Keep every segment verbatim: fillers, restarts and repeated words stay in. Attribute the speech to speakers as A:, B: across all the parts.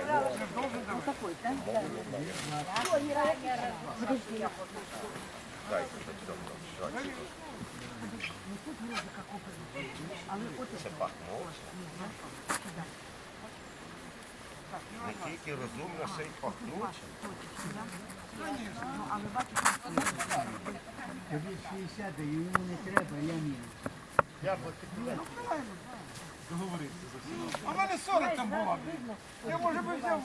A: Це пахнуть. Не тільки розумно, ще й пахнуть.
B: Тобі шістдесят, і йому не треба, я ні.
C: Договоритися за всім. А в мене сорок там було. Я, може би, взяв.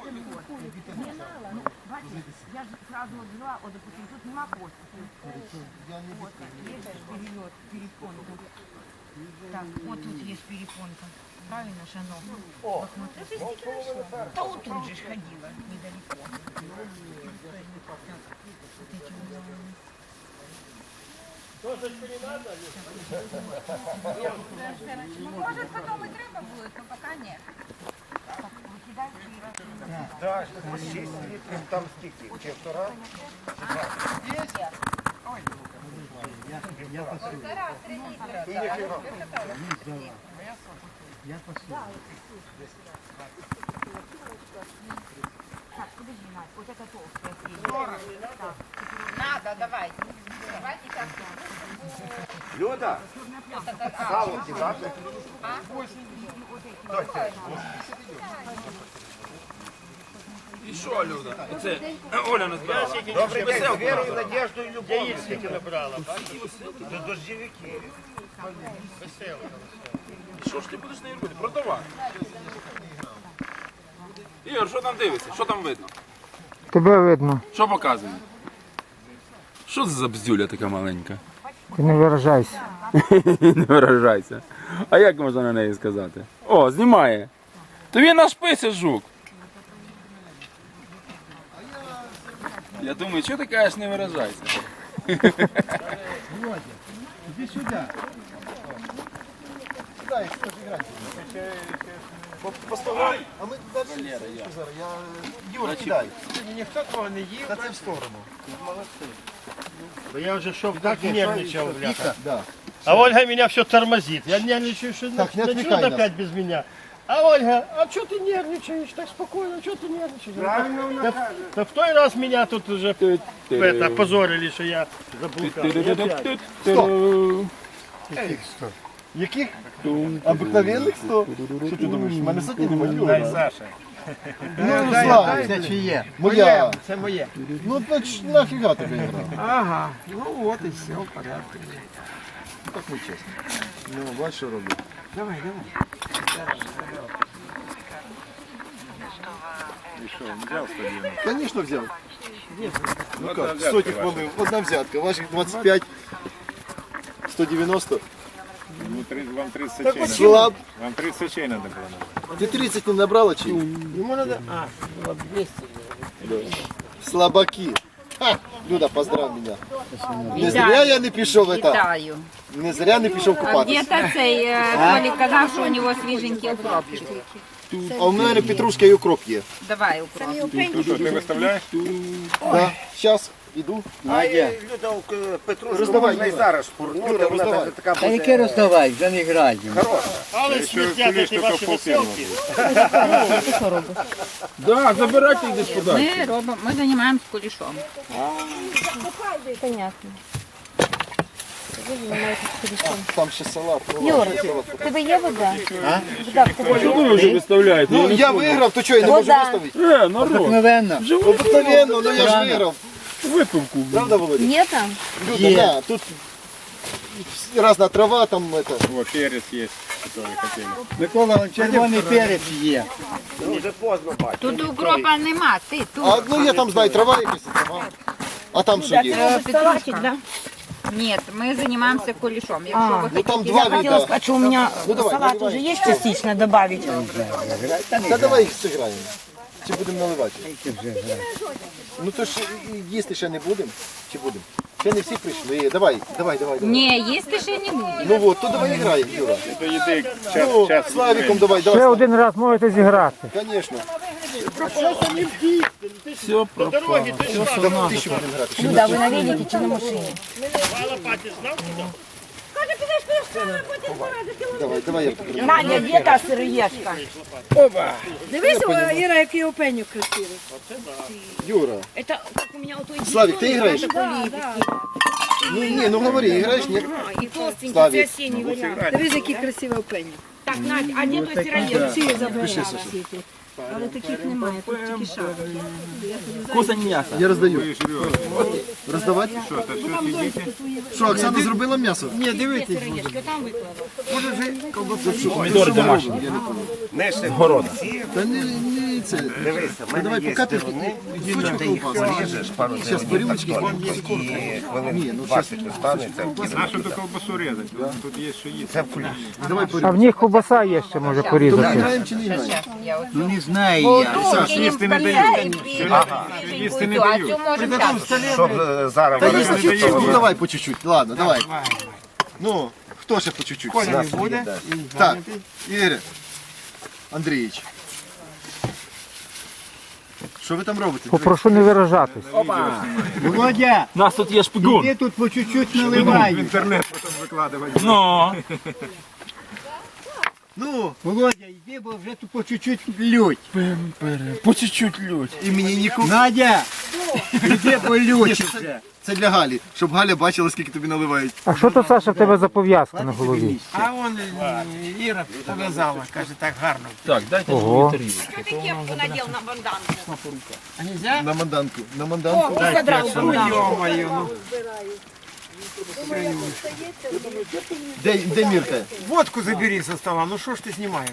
D: Я же сразу взяла, вот, допустим, тут нема хвостика. Вот, есть перелет, перепонка. Так, вот тут есть перепонка. Правильно же оно? О, это стики нашла. Да вот тут же ж ходила, недалеко. Вот эти вот. Может, потом и треба будет, но пока нет.
A: Так, шість літрів, там скільки? Півтора?
B: Я пасу.
A: І ніфіга.
B: Я пасу.
D: Так, подожди, Надь, вот это толстая. Надо, давай. Давай сейчас.
A: Люда, сало кидати?
E: І що, Люда? Оце Оля назбирала.
A: Добрий день, з вірою, надіждою і любов'ю. Скільки набрала? До дождівики.
E: Що ж ти будеш нею робити? Продавати. Ігор, що там дивиться? Що там видно?
F: Тебе видно,
E: Що показує? Що це за бздюля така маленька?
F: ти не виражайся.
E: Не виражайся. А як можна на неї сказати? О, знімає. То він наш пися жук. Я думаю, що ти кажеш, не виражайся?
B: Володя, іди сюди.
G: Сідай, що ж грати? По столам? А ми туди зараз. Я... Юра, кидай.
C: Ніхто того не їв.
G: Та це в сторону.
H: Да я уже шов так нервничал, бляха.
G: Да.
H: А Ольга меня все тормозит. Я нервничаю, что
G: Так, не
H: начнут
G: отвлекай нас.
H: опять без меня. А Ольга, а что ты нервничаешь? Так спокойно, что ты нервничаешь?
C: Правильно
H: Да,
C: вона каже.
H: да в той раз меня тут уже это, опозорили, что я заблукал. И опять.
G: Яких? Обикновенних сто? Що ти думаєш? У мене сотні немає.
C: Дай, Саша.
G: Ну, Слава,
B: Це чиє?
G: моя.
C: Це моє.
G: Ну, значить, нафіга тобі грав?
C: Ага, ну от і все, в порядку.
G: Так не чесно. Ну, бачиш, що роблю.
C: Давай, давай.
G: Звісно, взяв. Ну як, сотні хвилин. Одна взятка, ваших двадцять п'ять, сто дев'яносто.
I: Вам тридцать сочей
G: Слаб.
I: Вам тридцать сочей надо было.
G: Ти тридцять не набрала чи?
H: Ему надо... А, вот двести.
G: Слабаки. Ха! Люда, поздрав мене. Не зря я не пішов это.
D: Вітаю.
G: Не зря не пішов
D: А
G: купатися.
D: где-то цей э, Толік казав, що у нього свіженький укропчик.
G: А у мене петрушка і укроп є.
D: Давай укроп.
I: Ну что, ты выставляешь?
G: Да. Зараз, іду.
A: Люда, Петрушку
G: Роздавай,
A: можна і
G: Юра.
A: зараз шпурнути,
G: Юра,
A: вона
G: роздавай.
A: навіть така
B: Та яке
A: буде
B: роздавай, вже не граємо.
A: хороша.
H: Але смертят эти ваши веселки.
E: Да, забирайте йдеш подалі.
D: Ми робимо, ми займаємося кулішом.
J: Понятно.
G: Там ще салат.
J: Юр, в тебе є вода? Вода в тебе
E: Що
J: є?
E: ви вже виставляєте?
G: Ну, я виграв, то що, я не можу
J: Вода.
G: виставити?
E: Е, народ,
B: Обикновенно.
G: Обикновенно, ну я ж виграв.
E: випивку.
G: Правда, Володя?
J: Є там?
G: Люда, да, тут разна трава, там это.
I: Вот перец есть, который хотели.
B: Микола, вон червоний перець є.
A: Дуже поздно бачу.
D: Тут укропа нема, ти тут.
G: А, ну я там знаю, трава якась, трава. А там що є?
D: Е, Петрушка. Ні, ми займаємося кулішом. Якщо ви
G: Ну там
D: хотите,
G: два
D: я хотіла
G: вида.
J: сказать, что у меня
G: Ну, давай,
J: салат
G: наливай.
J: уже есть частично добавить.
G: Та давай їх зіграємо. Чи будемо наливати? Ну то ж і їсти ще не будемо? Чи будемо? Ще не всі прийшли. Давай, давай, давай. давай.
D: Ні, їсти ще не буде.
G: Ну от, то давай граємо, Юра.
I: Это еды час,
G: Ну,
I: час.
G: Славіком давай,
F: Ще
G: давай.
F: один раз можете зіграти.
G: Звісно.
E: Все
H: До дороги ты ж
G: Давай тисячу будемо грати.
J: Ну да, вы на велике чи на машине?
H: на лопате знал?
G: Давай, давай я покажу.
D: Надя, де та сироєшка?
J: Дивись, о, Іра, який опенюк красивий.
G: Юра,
D: Это как у меня у той
G: Славик, ти граєш?
J: Да, да.
G: Ну ні, ну говори, граєш, ні?
D: И толстенький,
G: Славик.
D: це осенний варіант.
J: Дивись, який красивий опенюк.
D: Так, Надя, а де той сироєшка?
J: Всі забирала всі ті. Але таких немає, тут тільки шапки.
G: Я роздаю. Роздавати? Що, Оксана зробила м'ясо?
B: Ні, дивіться.
D: Сироєшки, там виклала.
E: Помідори домашні. З города.
G: Та не, не це. Ну, давай, поки ти кусочок ковбаси. Зараз перемочки. Ні, ну зараз.
I: Нашу ту ковбасу різати, тут є що їсти.
G: Давай
F: А
G: перемочки.
F: в них ковбаса є ще може
G: То ми
F: порізати.
G: граємо чи не граємо?
B: Ну не знаю я.
I: Саш, їсти не дають. Їсти не дають.
A: Щоб е, зараз
G: Та
A: вони
G: їсти чуть-чуть, ну давай по чуть-чуть. Ладно, давай. Ну, хто ще по чуть-чуть?
C: Коля не буде.
G: Так, Ігор Андрійович. Що ви там робите?
F: Попрошу не виражатись.
B: Володя,
E: У нас тут є шпигун.
B: ти тут по чуть-чуть наливай.
I: Інтернет потім викладувати.
E: Ну,
G: Ну,
B: Володя, йди, бо вже тут по чуть-чуть лють.
E: по чуть-чуть лють.
G: і мені нікому.
B: Надя, йди, бо лють вже.
G: Це для Галі, щоб Галя бачила, скільки тобі наливають.
F: А що то, Саша, в тебе за пов'язка на голові?
C: А он е, Іра пов'язала, каже, так гарно.
E: Так, дайте
F: Ого.
E: мені тарілку.
D: Что ты кепку надел на банданку?
C: А нельзя?
G: На манданку. На манданку.
D: О, задрал банданку.
C: Ё-моё, ну.
G: Де, де Мірка?
C: Водку забери со стола, ну що ж ти знімаєш?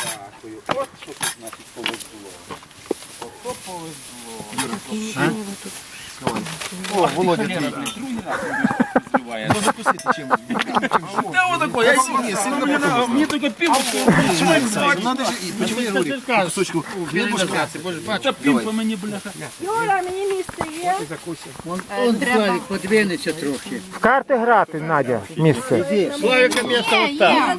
G: О, Володя, твій. Ну закусити чим?
E: Та отако, я
G: Ні, сильно
E: мені тільки пиво.
G: Надо ж, і почему я говорю, кусочку хлібушка.
E: Та пів по мені, бляха.
J: Юра, мені місце є?
B: Он Славик подвинеться трохи.
F: В карти грати, Надя, місце.
A: Славіка місце от там.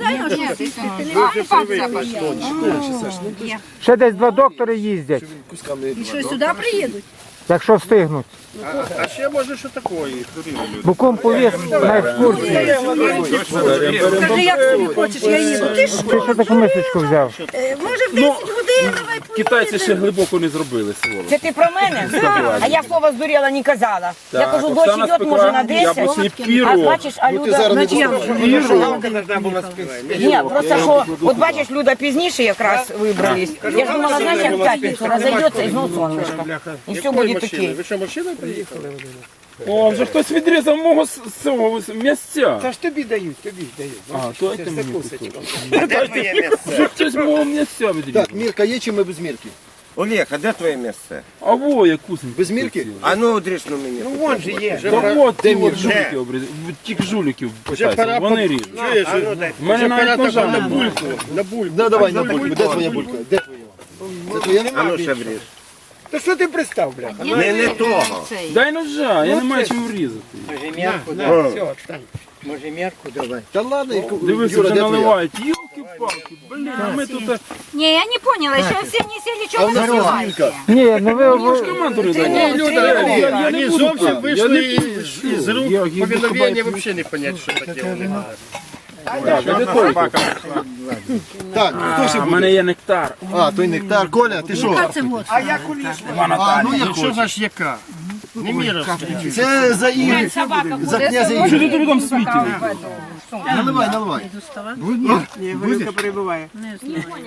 F: Ще десь два доктори їздять,
G: Кусками.
J: І що, сюди приїдуть?
F: якщо встигнуть.
A: А ще може що такої?
F: Буком повіз на екскурсію.
J: Скажи, як собі хочеш, я їду. Ти ж,
F: Ти що таку мисочку взяв?
J: е, може, в десять годин, давай
E: Китайці ще глибоко не зробили своло.
D: Це ти про мене? А я слово здуріла не казала. Я кажу, дощ
E: Оксана
D: йде, може на
E: спекла яблучний
D: десять. А
E: пірог.
D: бачиш, а
G: Ну ти
D: Люда...
G: зараз не
J: Значить, я
G: достатньо.
D: Ні, просто що, от бачиш, Люда пізніше якраз вибрались. Я ж думала, знаєш, як в п'ятницю розійдеться і знов сонечко. І все буде таке.
A: Ви що, машиною приїхали?
E: О, вже хтось відрізав мого з цього місця.
C: Та ж тобі дають, тобі дають.
E: А, дайте мені кусок.
A: Де твоє місце?
E: Вже хтось мого місця відрізав.
G: Так, Мірка є чи ми без Мірки?
A: Олег, а де твоє місце?
E: А во, я кусень.
G: Без Мірки?
A: А ну одрішну мені.
C: Ну вон же є.
E: Та от, ті
G: Де
E: от жулики обрізали. Тих жуликів
A: пора
E: питайся, вони ріжуть.
A: Чуєш?
E: В мене навіть ножа
A: на
E: немає.
A: бульку. На бульку.
G: Да, давай на бульку. Де твоя булька? Де твоя? Це твоя?
A: А ну ще вріж.
C: Та що ти пристав, бляха?
A: Не, не того.
E: Дай ножа, я не маю чим врізати.
B: Може м'ярку,
C: На,
B: да?
C: все, встань.
B: Може м'ярку давай.
G: Та ладно, яку-
E: Дивись,
G: Юра,
E: вже
G: де твоя?
E: наливають. Йолки-палки, блін, а ми тут... а,
J: Не, я не поняла, ще всі не сіли, чого ви
G: А
J: називаєте?
F: Ні, ну ви...
E: Ви ж команду не даєте.
A: Люда,
E: Я- я- я
A: вони
E: не буду
A: зовсім
E: так.
A: вийшли
E: Я не
A: із, із рук.
E: Я- я
A: Повиновення
E: буду
A: взагалі не понять, що таке. вони.
E: Так, а де той?
G: Так, хто ще
E: А, в
G: буде?
E: мене є нектар.
G: А, той нектар. Коля, ти що?
J: Це вот.
C: А я куліш.
G: А, ну я
A: Що
G: хочу.
A: за ж яка? Не міровська.
G: Це за Ігор. За князя
E: Що ти
G: Ігоря.
E: тут там світив?
G: Наливай, наливай.
C: Ні, горілка перебуває.